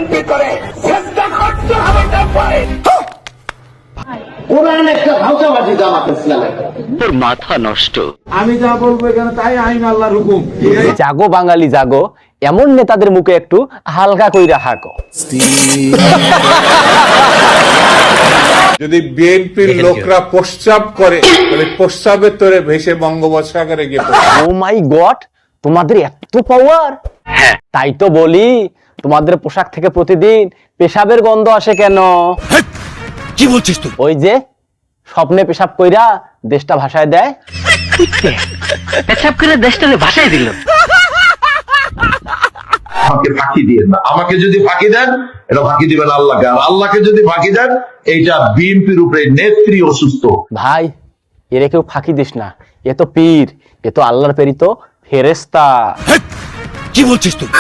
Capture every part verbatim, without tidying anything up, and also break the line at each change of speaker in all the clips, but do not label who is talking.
BNP করে চেষ্টা করতে হবে না পারে
কোরআন একটা ভাষাবাজি জামাত ইসলামের
তোর মাথা নষ্ট।
আমি যা বলবো এখানে তাই আইন আল্লাহর হুকুম।
জাগো বাঙালি জাগো, এমন নেতাদের মুখে একটু হালকা কইরা হাঁকো।
যদি বিএনপির লোকরা প্রস্রাব করে তাহলে প্রস্রাবের তোরে ভেসে বঙ্গোপসাগরে গিয়ে
ও মাই গড, তোমাদের এত পাওয়ার! তাই তো বলি, তোমাদের পোশাক থেকে প্রতিদিন পেশাবের গন্ধ আসে কেন?
কি বলছিস তুই?
ওই যে স্বপ্নে পেশাব কইরা দেশটা ভাষায় দেয়।
পেশাব করে দেশটারে ভাষায় দিল।
আমাকে ফাঁকি দিয়ে না, আমাকে যদি ফাঁকি দেন এটা ফাঁকি দিবেন আল্লাহকে, আর আল্লাহকে যদি ফাঁকি দেন এইটা বিএনপির উপরে নেত্রী অসুস্থ।
ভাই, এরে কেউ ফাঁকি দিস না, এ তো পীর, এ তো আল্লাহর প্রেরিত ফেরেশতা।
কি বলছিস তুই?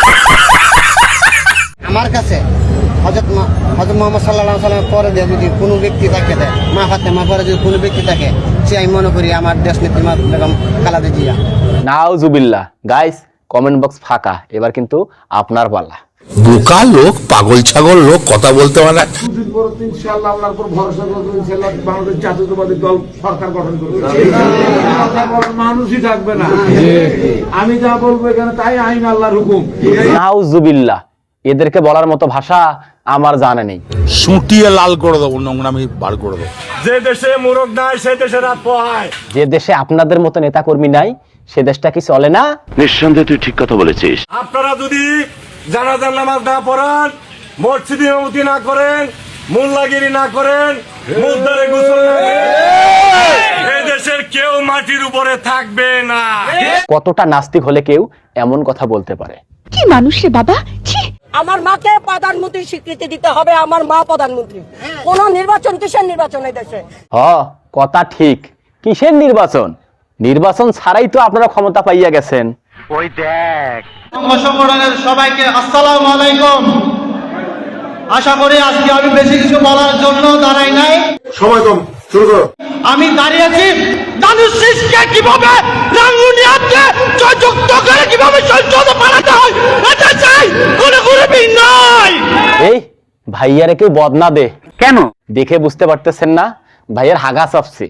আমার কাছে হযরত হযরত মুহাম্মদ সাল্লাল্লাহু আলাইহি ওয়াসাল্লামের পরে যদি কোনো ব্যক্তি থাকে দেয়, মা ফাতেমা পরে যদি কোনো ব্যক্তি থাকে, সে আমি মনে করি আমার দেশ নেত্রী মা বেগম খালেদা জিয়া।
নাউজুবিল্লাহ। গাইস, কমেন্ট বক্স ফাঁকা, এবার কিন্তু আপনার পালা।
বোকা লোক, পাগল ছাগল লোক, কথা বলতে পারে না।
দুদিন পর ইনশাআল্লাহ আল্লাহর উপর ভরসা করে ইনশাআল্লাহ বাংলাদেশ জাতীয়তাবাদী দল সরকার গঠন করবে। কথা বলার মানুষই থাকবে না। আমি যা বলবো এখানে তাই আইন আল্লাহর হুকুম।
নাউজুবিল্লাহ, এদেরকে বলার মতো ভাষা আমার জানা নেই।
সুটিয়ে লাল করে দেবো, নোংরামি বার করে দেবো।
যে দেশে মোরগ নাই সে দেশে রাত পোহায়।
যে দেশে আপনাদের মতো নেতা কর্মী নাই, সে দেশটা কি চলে না?
নিঃসন্দেহে তুই ঠিক কথা বলেছিস।
আপনারা যদি জানাজার নামাজ না পড়ান, মসজিদে ইমামতি না করেন, মোল্লাগিরি না করেন, মুদ্দারে গোসল না করেন, এই দেশের কেউ মাটির উপরে থাকবে না।
কতটা নাস্তিক হলে কেউ এমন কথা বলতে পারে?
কি মানুষ রে বাবা, ছি!
আমার মাকে প্রধানমন্ত্রী স্বীকৃতি দিতে হবে, আমার মা প্রধানমন্ত্রী। কোন নির্বাচন কিসের নির্বাচন এই দেশে?
হ, কথা ঠিক। কিসের নির্বাচন? নির্বাচন ছাড়াই তো আপনারা ক্ষমতা পাইয়া গেছেন।
ওই দেখ,
সংগঠনের সবাইকে আসসালামু আলাইকুম। আশা করি আজকে আমি বেশি কিছু বলার জন্য দাঁড়াই নাই।
সময় কম, শুরু করো।
আমি দাঁড়িয়েছি দানুশ শীষকে কিভাবে রাঙ্গুনিয়াতে জয়যুক্ত করে কিভাবে সংসদ বানাতে হয় এটা চাই, কোনো গরিবই নাই।
এই ভাইয়ারে কেউ বদনা দে
কেন?
দেখে বুঝতে পারতেছেন না ভাইয়ার হাগা চাপছে।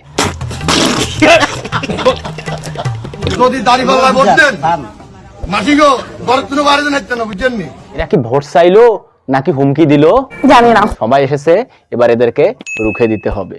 যদি দাঁড়িপাল্লা বলতেন মাসি গো বরত্ন বাড়ি যেতেন না, বুঝছেন নি?
এরা কি ভোট চাইলো নাকি হুমকি দিল
জানি না।
সবাই এসেছে, এবার এদেরকে রুখে দিতে হবে।